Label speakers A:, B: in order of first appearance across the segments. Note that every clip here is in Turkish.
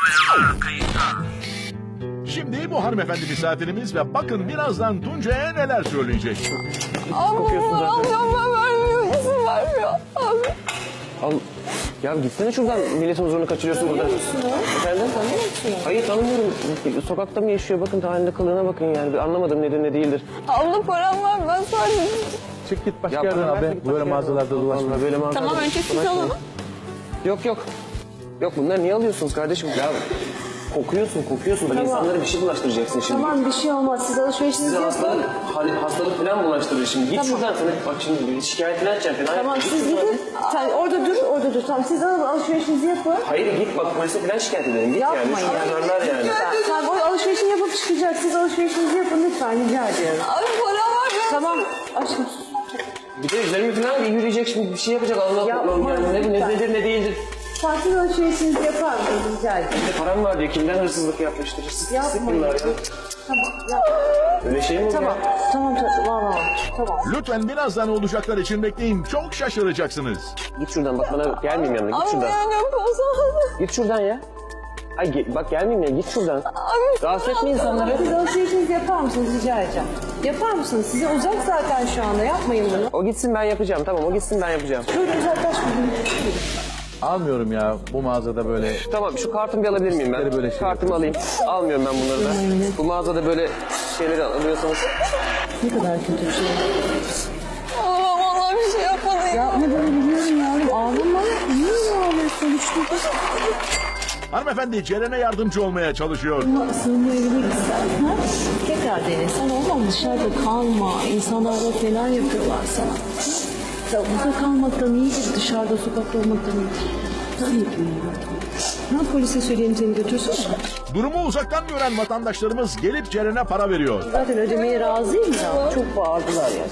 A: Şimdi bu hanımefendi misafirimiz ve bakın birazdan Tuncay'a neler söyleyecek.
B: Kokuyorsun zaten.
C: Ablam vermiyor, izin vermiyor. Abi.
B: Al. Ya gitsene şuradan, milletin huzurunu kaçırıyorsun burada. Efendim? Hayır tanımıyorum. Sokakta mı yaşıyor? Bakın halinde kılığına bakın yani. Bir anlamadım nedir ne değildir.
C: Abla param var, ben sadece...
D: Çık git başka
B: Ya
D: yerden
B: bana
D: abi.
B: verse git
D: Böyle
B: başka
D: mağazalarda
B: yerden.
D: dolaşma.
B: Vallahi böyle mağazalarda
C: Tamam, önce siz
B: dolaşmayın.
C: alın.
B: Yok yok. Yok bunları niye alıyorsunuz kardeşim? Ya kokuyorsun. Bak insanlara bir şey bulaştıracaksın şimdi.
E: Tamam bir şey olmaz. Siz alışverişinizi
B: Size
E: yapın.
B: hastalık falan bulaştırır şimdi. Git şuradan sana. Bak şimdi şikayetini açacaksın falan.
E: Tamam
B: Git
E: siz
B: şuradan.
E: gidin. Sen orada dur. Tamam siz alın alışverişinizi yapın.
B: Hayır git bak polise falan şikayet edelim. Git
E: Yapmayın
B: yani.
E: yani.
B: Şunlar yani.
E: Sen o alışverişini yapıp çıkacak. Siz alışverişinizi yapın lütfen rica ediyorum.
C: Abi param var, ben...
E: Tamam aşkım.
B: Bir de üzerime falan yürüyecek şimdi bir şey yapacak. Allah
E: Yapma,
B: Allah yani
E: lütfen.
B: nedir ne değildir.
E: Sakin alışverişinizi yapar mısınız rica ediyorum.
B: Bir de param var diyor. Kimden hırsızlık yapmıştır? Hırsız
E: Yapmayın.
B: bunlar ya.
E: Tamam yapma.
B: Öyle şey mi olur
E: Tamam.
B: ya?
E: Tamam.
A: Lütfen birazdan olacaklar için bekleyin. Çok şaşıracaksınız.
B: Git şuradan bak bana gelmeyeyim yanına. Git
C: Abi
B: şuradan.
C: beğenmiyorum, olsa.
B: Git şuradan ya. Ay bak gelmeyeyim ya git şuradan.
C: Abi.
B: Rahatsız etme insanları.
E: Siz alışverişinizi yapar mısınız rica edeceğim. Yapar mısınız? Size uzak zaten şu anda yapmayın bunu.
B: O gitsin ben yapacağım. Tamam o gitsin ben yapacağım.
E: Böyle uzaklaşmayın.
D: Almıyorum ya bu mağazada böyle.
B: Tamam şu kartımı bir alabilir miyim ben?
D: Böyle şey
B: Kartımı alayım. Almıyorum ben bunları da. Bu mağazada böyle şeyleri alıyorsanız.
E: Ne kadar kötü bir şey.
C: Ablam vallahi bir şey yapmadı.
E: Yapmadığını biliyorum yavrum. Ağlama. Niye ağlıyorsun?
A: Hanımefendi Ceren'e yardımcı olmaya çalışıyor.
E: Sığınma evine gitsen. Ha? Tekrar dene. Sen oğlum dışarıda kalma. İnsanlar da neler yapıyorlar sana. Ya burada kalmaktan iyidir. Dışarıda sokakta olmaktan iyidir. Tabii ki. Ne polise söyleyeyim seni götürsün.
A: Durumu uzaktan gören vatandaşlarımız gelip Ceren'e para veriyor.
E: Zaten ödemeye razıyım ya. Çok bağırdılar ya.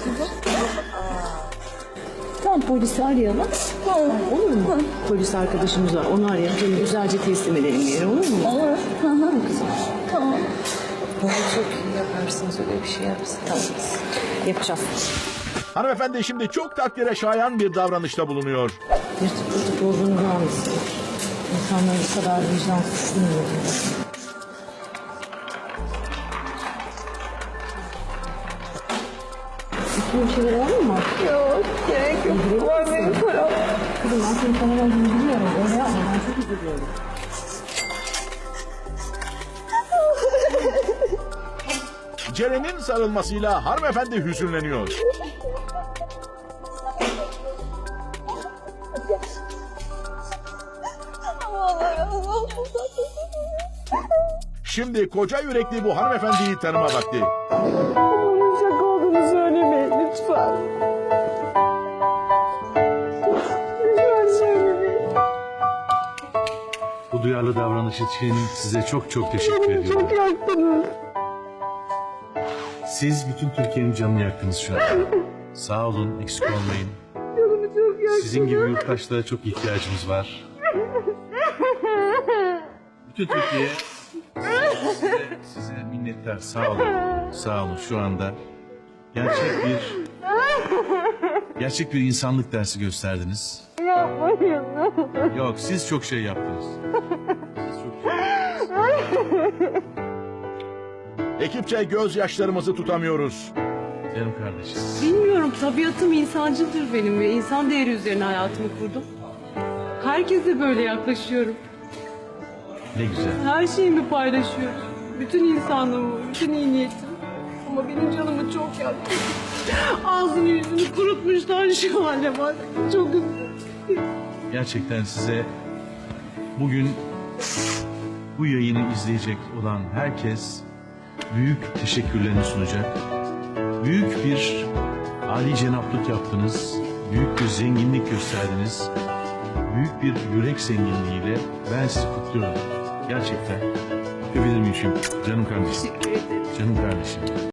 E: Tamam polisi arayalım. Olur mu? Polis arkadaşımız var. Onu arayalım. Seni güzelce teslim edelim bir yere. Olur mu? Olur. Tamam kızım. Tamam. Çok iyi yaparsınız öyle bir şey yapsın. Tamam. Yapacağız.
A: Hanımefendi şimdi çok takdire şayan bir davranışta bulunuyor.
E: Yırtık olduğunu anlasın. İnsanlar bu kadar vicdansız bilmiyor. Bir şeyler var mı?
C: Yok, gerek yok. Var benim param.
E: Kızım ben senin sana verdiğini biliyorum. Öyle yapma ben çok üzülüyorum.
A: Ceren'in sarılmasıyla hanımefendi hüzünleniyor.
C: Vallahi razı olsun.
E: Şimdi koca yürekli bu hanımefendiyi tanıma vakti.
C: Bunun şaka olduğunu söylemeyin lütfen. Lütfen söylemeyin.
F: Bu duyarlı davranış için size çok çok teşekkür ediyorum.
C: Çok yaktınız.
F: Siz bütün Türkiye'nin canını yaktınız şu an. Sağ olun, eksik olmayın.
C: Canımı çok yaktınız.
F: Sizin gibi yurttaşlara çok ihtiyacımız var. Bütün Türkiye size minnettar. Sağ olun. Sağ olun şu anda. Gerçek bir insanlık dersi gösterdiniz.
C: Yapmayın.
F: Yok, siz çok şey yaptınız. Siz çok şey
A: Ekipçe gözyaşlarımızı tutamıyoruz.
F: Canım kardeşim.
G: Bilmiyorum, tabiatım insancıldır benim ve insan değeri üzerine hayatımı kurdum. Herkese böyle yaklaşıyorum.
F: Ne güzel.
G: Her şeyimi paylaşıyorum. Bütün insanlığımı, bütün iyi niyetim. Ama benim canımı çok yaktı. Ağzını yüzünü kurutmuşlar şu hale bak. Çok üzüldüm.
F: Gerçekten size bugün bu yayını izleyecek olan herkes büyük teşekkürlerini sunacak. Büyük bir âli cenaplık yaptınız. Büyük bir zenginlik gösterdiniz. Büyük bir yürek zenginliğiyle ben sizi kutluyorum. Gerçekten. Öpebilir miyim şimdi? Canım kardeşim. Canım kardeşim.